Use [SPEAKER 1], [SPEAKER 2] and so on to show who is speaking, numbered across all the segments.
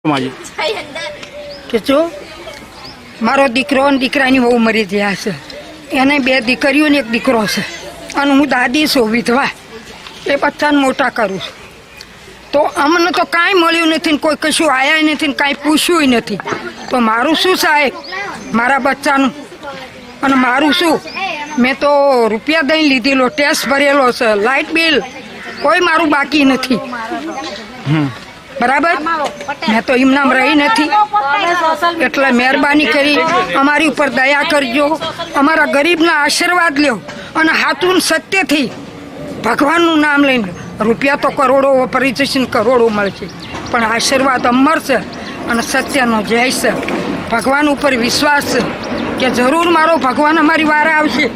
[SPEAKER 1] કે જો મારો દીકરો અને દીકરાની વહુ મરી ગયા છે, એને 2 દીકરીઓ ને 1 દીકરો છે, અને હું દાદી છું વિધવા, એ બચ્ચાને મોટા કરું છું. તો અમને તો કાંઈ મળ્યું નથી ને કોઈ કશું આવ્યા નથી ને કાંઈ પૂછ્યું નથી. તો મારું શું સાહેબ, મારા બચ્ચાનું અને મારું શું? મેં તો રૂપિયા દઈને લીધેલો, ટેક્સ ભરેલો છે, લાઇટ બિલ કોઈ મારું બાકી નથી. બરાબર, મેં તો એમનામ રહી નથી. એટલે મહેરબાની કરી અમારી ઉપર દયા કરજો, અમારા ગરીબના આશીર્વાદ લ્યો અને હાથું સત્યથી ભગવાનનું નામ લઈને. રૂપિયા તો કરોડો વપરી જશે ને કરોડો મળશે, પણ આશીર્વાદ અમર છે અને સત્યનો જય છે. ભગવાન ઉપર વિશ્વાસ છે કે જરૂર મારો ભગવાન અમારી વાર આવશે.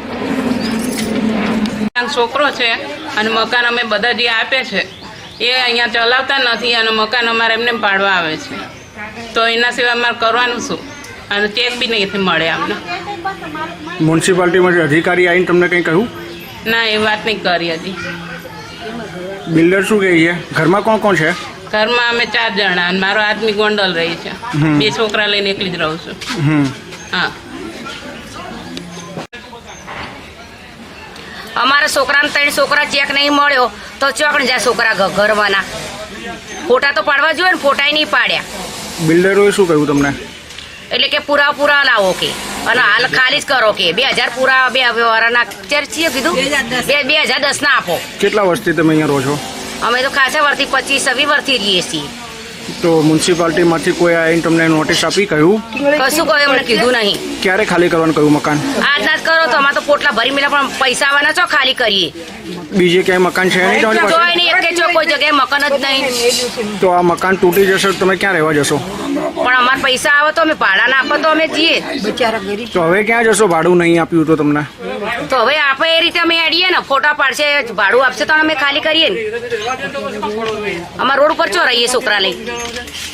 [SPEAKER 2] છોકરો છે અને મકાન અમે બધા જે આપે છે એ અહીંયા ચલાવતા નથી અને મકાન અમારે એમને પાડવા આવે છે. તો એના સિવાય અમારે કરવાનું શું? અને ચેક બી નહીં મળે અમને.
[SPEAKER 3] મ્યુનિસિપાલિટીમાંથી અધિકારી આવીને તમને કંઈ કહ્યું?
[SPEAKER 2] ના, એ વાત નહીં કરી હજી.
[SPEAKER 3] બિલ્ડર શું કહે છે? ઘરમાં કોણ કોણ છે?
[SPEAKER 2] ઘરમાં અમે 4 જણા અને મારો આદમી ગોંડલ રહી છે. 2 છોકરા લઈને એકલી જ રહું છું. હા,
[SPEAKER 4] અમારા છોકરાને 3 છોકરા ચેક નહીં મળ્યો તો ચોકણ જાય છોકરા ઘરવાના. ફોટા તો પાડવા જોઈએ ને, ફોટા નહીં પાડ્યા.
[SPEAKER 3] બિલ્ડરોએ શું કહ્યું તમને?
[SPEAKER 4] એટલે કે પૂરા લાવો કે અને હાલ ખાલી જ કરો કે 2000 પૂરા 2 વારના ચર્ચીએ કીધું 2010 ના આપો.
[SPEAKER 3] કેટલા વર્ષથી તમે અહીંયા રહો છો?
[SPEAKER 4] અમે તો ખાસા વર્ષથી 25-26 વર્ષથી રહીએ છીએ.
[SPEAKER 3] તો મ્યુનિસિપાલિટીમાંથી કોઈ આવીને તમને નોટિસ આપી કહ્યું?
[SPEAKER 4] કશું કહ્યું અમને કીધું નહીં.
[SPEAKER 3] ક્યારે ખાલી કરવાનું કહ્યું મકાન?
[SPEAKER 4] આજના જ કરો તો અમારે તો પોટલા ભરી મેલા, પણ પૈસા આવવાના છો ખાલી કરીએ.
[SPEAKER 3] બીજે ક્યાંય મકાન છે નહીં તમારી પાસે?
[SPEAKER 4] જોઈ નહીં એક કોઈ જગ્યાએ મકાન જ નહીં.
[SPEAKER 3] તો આ મકાન તૂટી જશે તો તમે ક્યાં રહેવા જશો?
[SPEAKER 4] પણ અમારે પૈસા આવે તો અમે ભાડા ના આપો તો અમે જઈએ.
[SPEAKER 3] તો હવે ક્યાં જશો? ભાડું નહીં આપ્યું તો તમને?
[SPEAKER 4] તો હવે આપે એ રીતે અમે એડીએ ને, ફોટા પાડશે, ભાડું આપશે તો અમે ખાલી કરીએ ને. અમારા રોડ ઉપર ચો રહીએ છોકરા લઈ.